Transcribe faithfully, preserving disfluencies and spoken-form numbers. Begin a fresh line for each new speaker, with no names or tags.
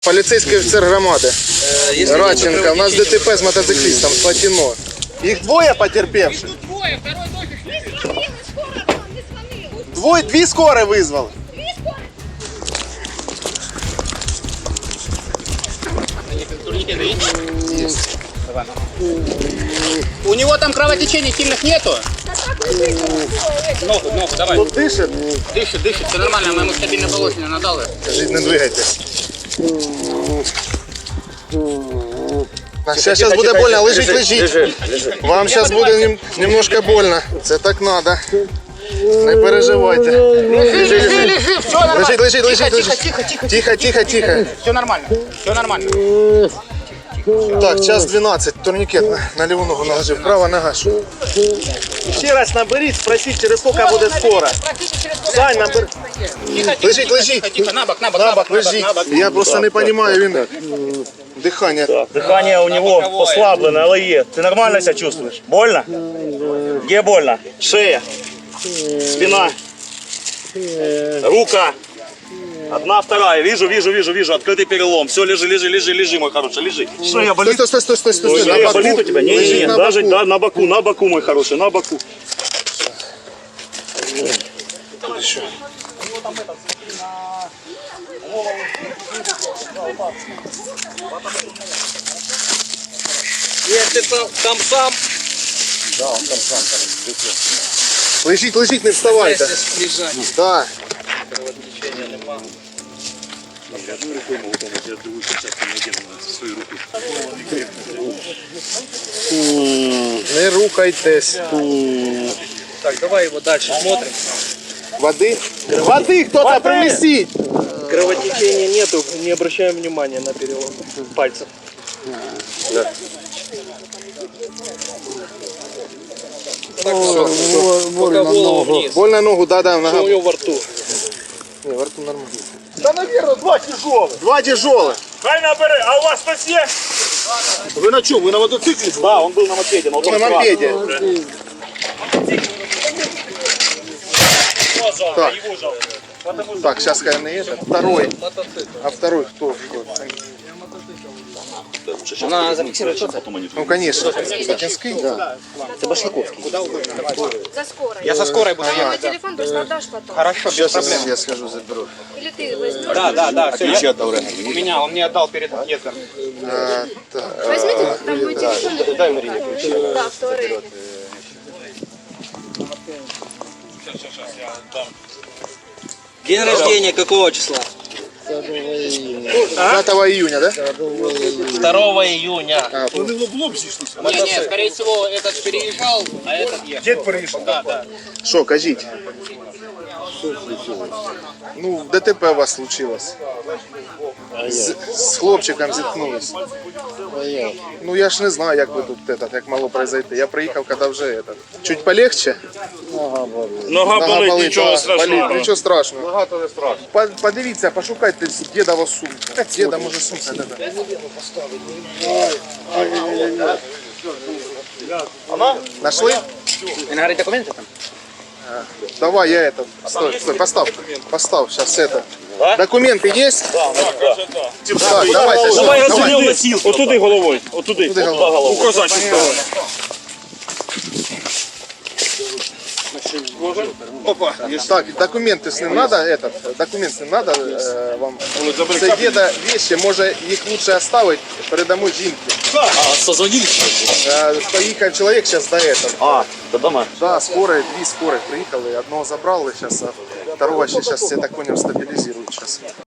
Поліцейський офіцер громади Радченко. У нас ДТП з мотоциклістом Слатіно. Їх двоє потерпевших.
Двоє, второй дофіг.
Двоє, дві скорі визвали.
У него там кровотечений сильных нету. Ногу, ногу, давай.
Тут дишить?
Дышит, дышит, все нормально, мы ему стабильно положение надали.
Скажіть, не двигайтесь. Сейчас, сейчас буде больно, лежить, лежить. Вам сейчас буде нем, немножко больно. Це так надо. Не переживайте. Лежи, лежи. Лежить, лежить, лежить, лежить.
Тихо, тихо,
Тихо, тихо, тихо.
все нормально, все нормально.
Так, час дванадцять, турнікет на, на ліву ногу наложив, права нога. Що? Ще раз наберіть, спросіть, через скільки буде скоро. Сань, набер. Лежить, лежить.
Тихо, на бок, на бок,
На бок, лежить. Я просто не розумію, він дихання.
Дыхание у него послабленное, але є. Ты нормально себя чувствуешь? Больно? Где больно? Шея, спина, рука. Одна, вторая. Вижу, вижу, вижу, вижу. Открытый перелом. Все, лежи, лежи, лежи, лежи, мой хороший, лежи. Шея болит.
Стой, стой, стой, стой, стой, стой.
Шея болит у тебя? Не, не,
Лежить
не.
на
Даже
боку.
да, на боку, на боку, мой хороший, на боку.
Еще.
Если там сам,
Лежить, лежить, не вставайте. Да. Не рухайтесь.
так, давай его дальше смотрим.
Воды? Воды кто-то принесите.
Кровотечения нету, не обращаем внимания на перелом пальцев.
Так, все, пока голову вниз.
Больно ногу, да-да, нога.
Что у него во рту?
Не, во рту нормально.
Да, наверное, два тяжелых.
Два тяжелых.
Хай набери, а у вас кто-то есть?
Вы на чем? Вы на мотоцикле?
Да, он был на мопеде. На,
На мопеде. Так. Так, сейчас хай не это. Второй. А второй кто?
Она зафиксирует
Ну, конечно. Сатинский? Да.
Это Башлаковский.
За скорой.
Я со скорой буду
Мой
ехать.
телефон просто отдашь потом.
Хорошо, без
Сейчас
проблем.
я схожу, заберу.
Или ты возьмешь.
Да, да, да, все. Я... У меня, он мне отдал перед отъездом.
А, так.
Возьмите там мой телефон. Дай Марине ключи. Да, второй.
День рождения какого числа?
пятого июня, да?
второго июня.
А,
Не, не, скорее всего, этот переезжал, а этот ехал.
Дед переїхав.
Да, да.
Що, кажіть? Ну, ДТП у вас случилось. З, з хлопчиком зіткнулись. Ну я ж не знаю, як ви тут этот, як могло произойти. Я приїхав, коли вже этот. Чуть полегче.
Нога болить, нічого
да,
страшного.
болить, нічого страшного. Нога то не страшно. По- Подивіться, пошукайте дідову сумку. Діда, може, сумка. Да, да. Нашли?
Вы говорите документы там?
Давай я это. Стой, стой, поставь. Поставь, сейчас это. Документы есть? Да, Так, давайте.
Давай
давай.
розсудив носілку. Отуди головою. Отуди.
Туди
Туди
головою.
головою. Указати.
Опа. Так, документы с ним надо, этот, документ с ним надо э, вам. Це деда вещи, може їх лучше оставить, передамо жінки.
А, созвонили?
Э, Поїхав чоловік зараз до этого.
А, до дома.
Да, скорые, две скорые приїхали, одного забрали сейчас, а второго сейчас, я так понял, стабилизируют сейчас.